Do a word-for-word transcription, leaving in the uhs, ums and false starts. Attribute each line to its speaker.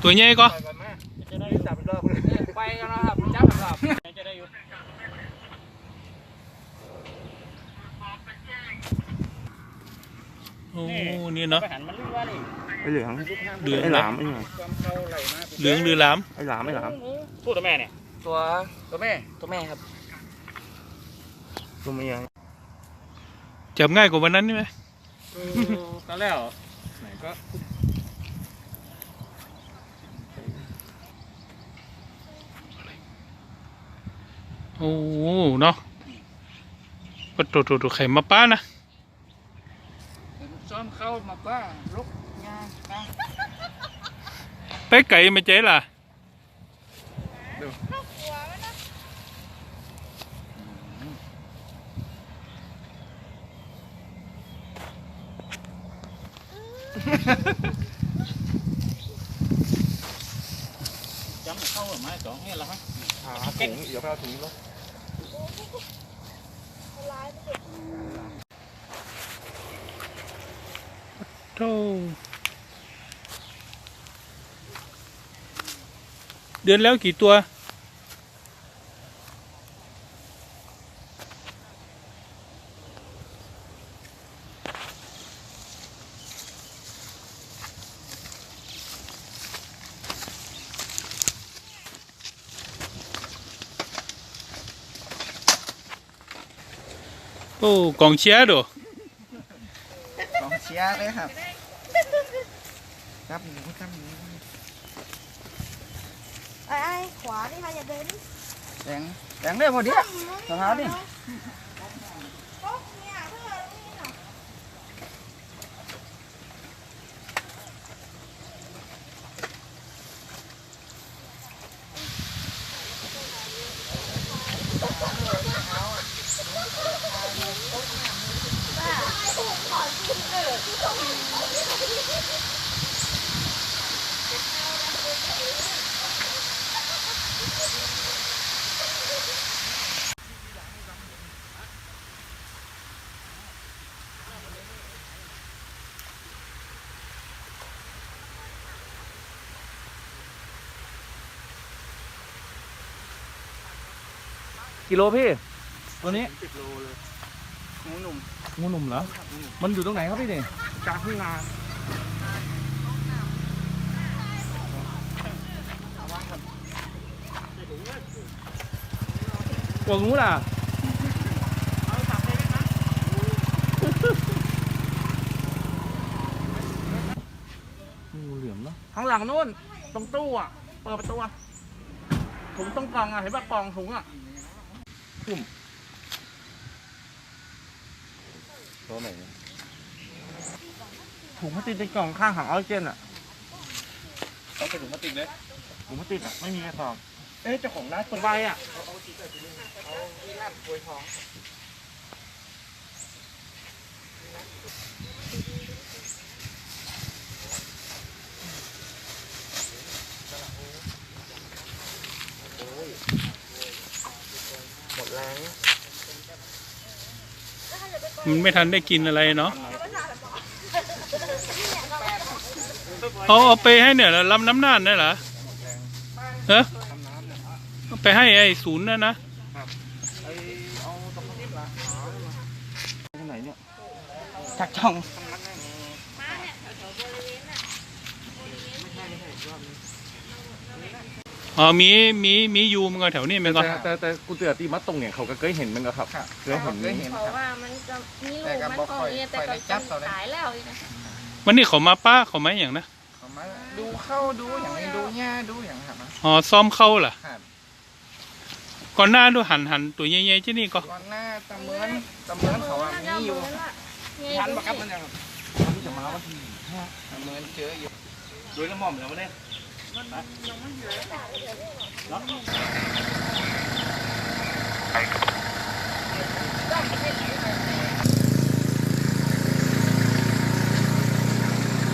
Speaker 1: ตัวใหญ่ก็
Speaker 2: จะได้จับรอบไปกันนะครับจับรอบจะได้อยู่
Speaker 1: โอ้นี่เนาะ
Speaker 3: ไอเหลือง
Speaker 1: เหลือง
Speaker 3: ไอหลามไอ
Speaker 1: เหลืองหรือหลาม
Speaker 3: ไอหลามไอหลาม
Speaker 2: ตัวตัวแม่เนี่ยตัวตัวแม่ตัวแม่ครับ
Speaker 3: ตัวเมีย
Speaker 1: จับง่ายกว่าวันนั้นใช่ไหม
Speaker 2: ตอนแล้วไหนก็
Speaker 1: โอ้เนาะก็ตัวตัวตัวไข่มาป้านะ
Speaker 2: ซ้อมเข้ามาป้าลุกงานนะ
Speaker 1: ไปไก่ไม่เจ๊ล่ะ
Speaker 2: จำเข้าหรือไม่สองเนี่ยละฮะ
Speaker 3: หาถุงเดี๋ยวไปเอาถุงแล้ว
Speaker 1: โธ่เดือนแล้วกี่ตัวโอ้กองเชียร์ดู
Speaker 2: กองเชียร์เลยครับจับหมูจับหมู
Speaker 4: ไอ้ขวาดิค่ะอย่าเดิน
Speaker 2: แดงแดงได้พอดีสะพานดิ
Speaker 3: กิโลพี่ตัวนี้
Speaker 2: สิบโลเลยงูหนุ่ม
Speaker 3: งูหนุ่มเหรอมันอยู่ตรงไหนครับพี่เนี่ย
Speaker 2: กลางทุ่งนา
Speaker 3: ตัวงูล่ะงูเหลือมเนาะ
Speaker 2: ข้างหลังนู่นตรงตู้อ่ะเปิดประตูถุงต้องกล่องอ่ะเห็นป่ะกล่องถุงอ่ะ
Speaker 3: ตุ่มตัวไหน
Speaker 2: ถุงพลาสติกในกล่องข้างถังออกซิเจนอ่ะ
Speaker 3: เอาไปถุงพลาสติกเลย
Speaker 2: ถุงพลาสติกอ่ะไม่มีกระสอบ
Speaker 3: เอ๊ะเจ้าของร้าน
Speaker 2: คนใบอ่ะเอาที่ร้านกล้วยทองหมดแรง
Speaker 1: มันไม่ทันได้กินอะไรเนาะเอาเอาไปให้เนี่ยลำน้ำน่านได้เหรอเออไปให้ไอ้ศูนย์นั่นนะ
Speaker 2: ที่ไหนเนี่ยจักช่อง
Speaker 1: อ๋อมีมีมียูมันก็แถวนี้มันก็
Speaker 3: แต่แต่กูเตือนตีมัดตรงเนี่ยเขาก็เคยเห็นมันก็ครับเคยเห็น
Speaker 4: เพราะว่ามันจะมีลูกมันก็มีแต่ก็ตายแล้วนะ
Speaker 1: วันนี้เขามาป้าเขาไหมอย่างนะ
Speaker 2: ดูเข้าดูอย่างนี้ดูหญ้าดูอย่างครับ
Speaker 1: อ๋อซ้อมเข้าเหรอก่อนหน้าดูหันหันตัวใหญ่ๆที่นี่ก็
Speaker 2: ก่อนหน้าตะเมินตะเมินเขาอ่ะมีอยู่ทันปะครับมันยังมันจะมาวันที่ห้าตะเมินเจออยู่ดูน้ำหม่อมแล้วเนี่ย
Speaker 4: มันยังไม่เหลือ